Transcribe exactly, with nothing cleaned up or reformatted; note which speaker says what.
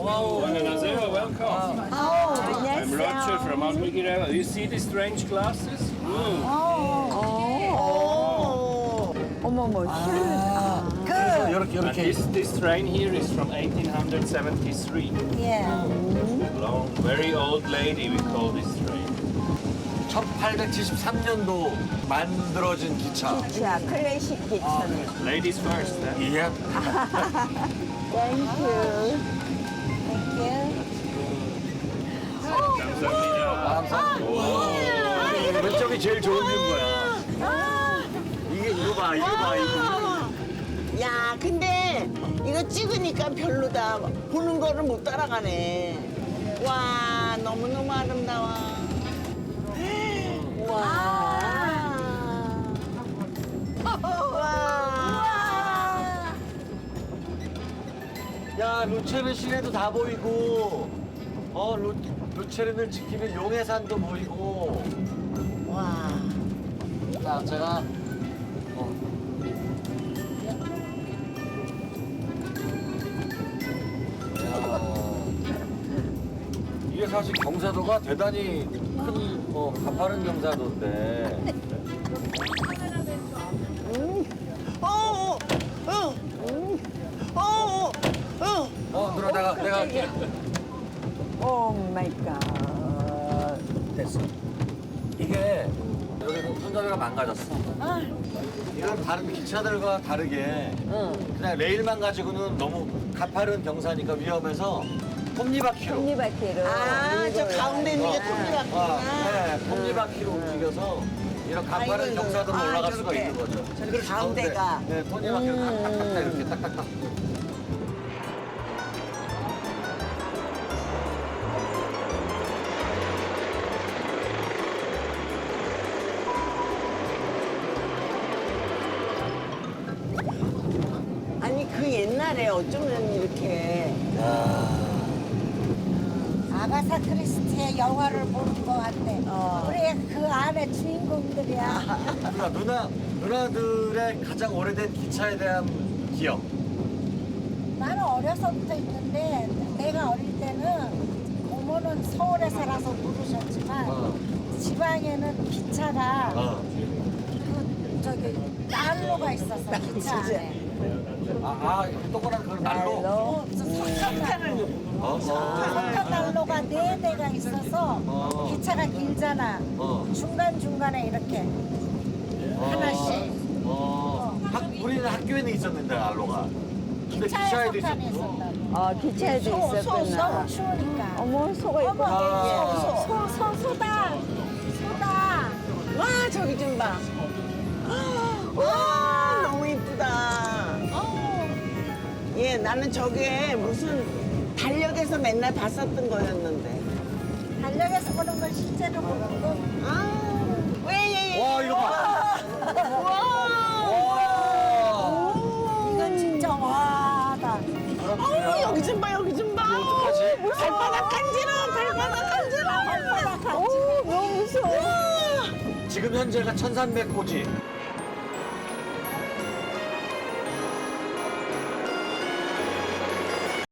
Speaker 1: 와우.
Speaker 2: 안녕하세요. Welcome.
Speaker 3: 어,
Speaker 2: I'm Roger from Almigireva. You see the strange glasses? Mm.
Speaker 3: 어머머,
Speaker 1: 아, 그래서 이렇게
Speaker 2: And
Speaker 1: 이렇게.
Speaker 2: this, this train here is from eighteen seventy-three.
Speaker 3: 예.
Speaker 2: Long, very old lady, we call this train.
Speaker 1: 천팔백칠십삼 년도 만들어진 기차.
Speaker 3: 자, 클래식 기차네.
Speaker 2: Ladies first. Eh?
Speaker 1: 예.
Speaker 3: 땡큐. 땡큐.
Speaker 2: 감사합니다.
Speaker 1: 감사합니다. 왼쪽이 제일 좋은 거야. 이게 이거 봐, 이거 봐, 이거.
Speaker 4: 야, 근데 이거 찍으니까 별로다. 보는 거를 못 따라가네. 와, 너무너무 아름다워. 와. 와.
Speaker 1: 야, 루체르 시내도 다 보이고, 어, 루, 루체르를 지키는 용해산도 보이고.
Speaker 4: 와.
Speaker 1: 자, 제가 어. 야, 이게 사실 경사도가 대단히 큰, 어, 가파른 경사도인데.
Speaker 4: 어, 어, 어, 어, 어.
Speaker 1: 어, 누나 내가 내가 할게.
Speaker 3: 오 마이 갓.
Speaker 1: 됐어. 이게 여기 손잡이가 망가졌어. 이건 다른 기차들과 다르게 그냥 레일만 가지고는 너무 가파른 경사니까 위험해서 톱니바퀴로.
Speaker 3: 톱니바퀴로.
Speaker 4: 아, 저 가운데 있는 게
Speaker 1: 아,
Speaker 4: 톱니바퀴구나.
Speaker 1: 네, 톱니바퀴로 움직여서 이런 가파른
Speaker 4: 아이고,
Speaker 1: 경사도로
Speaker 4: 아,
Speaker 1: 올라갈 수가
Speaker 4: 저렇게.
Speaker 1: 있는 거죠.
Speaker 4: 저렇게
Speaker 1: 그래서
Speaker 4: 가운데가.
Speaker 1: 가운데, 네, 톱니바퀴로 딱딱딱 이렇게 딱딱딱.
Speaker 4: 아니, 그 옛날에 어쩌면 이렇게.
Speaker 5: 아가사 크리스티의 영화를 보는 것 같아.
Speaker 4: 어.
Speaker 5: 우리 그 안에 주인공들이야.
Speaker 1: 누나, 누나, 누나들의 가장 오래된 기차에 대한 기억.
Speaker 5: 나는 어려서부터 있는데 내가 어릴 때는 고모는 서울에 살아서 모르셨지만
Speaker 1: 어.
Speaker 5: 지방에는 기차가
Speaker 1: 어.
Speaker 5: 그 저기 난로가 있었어 기차 안에.
Speaker 1: 아, 아, 동그란 그 난로.
Speaker 5: 어, 저 석탄을
Speaker 1: 어, 어.
Speaker 5: 석탄 난로가 네 대가 있어서
Speaker 1: 어.
Speaker 5: 기차가 길잖아.
Speaker 1: 어.
Speaker 5: 중간 중간에 이렇게 하나씩.
Speaker 1: 어. 학, 우리는 학교에는 있었는데 난로가. 근데
Speaker 5: 기차에
Speaker 1: 기차에도
Speaker 5: 석탄이
Speaker 1: 있었고.
Speaker 5: 있었다고.
Speaker 3: 어, 기차에도
Speaker 5: 소, 소,
Speaker 3: 있었구나.
Speaker 5: 너무 추우니까.
Speaker 3: 어머, 소가
Speaker 5: 어머,
Speaker 3: 있구나.
Speaker 1: 아.
Speaker 5: 소, 소, 소, 소다. 소다.
Speaker 4: 와, 저기 좀 봐. 와, 너무 이쁘다. 예, 나는 저게 무슨 달력에서 맨날 봤었던 거였는데.
Speaker 5: 달력에서 보는 걸 실제로 보는 거.
Speaker 4: 아, 왜, 예, 예.
Speaker 1: 와, 이거 봐.
Speaker 4: 와.
Speaker 1: 와.
Speaker 5: 이건 진짜 와다.
Speaker 4: 어우, 여기 좀 봐, 여기 좀 봐.
Speaker 1: 어떡하지?
Speaker 4: 발바닥 간지러, 발바닥 간지러.
Speaker 5: 발바닥 같이.
Speaker 3: 오, 너무 무서워.
Speaker 4: 와.
Speaker 1: 지금 현재가 천삼백 호지.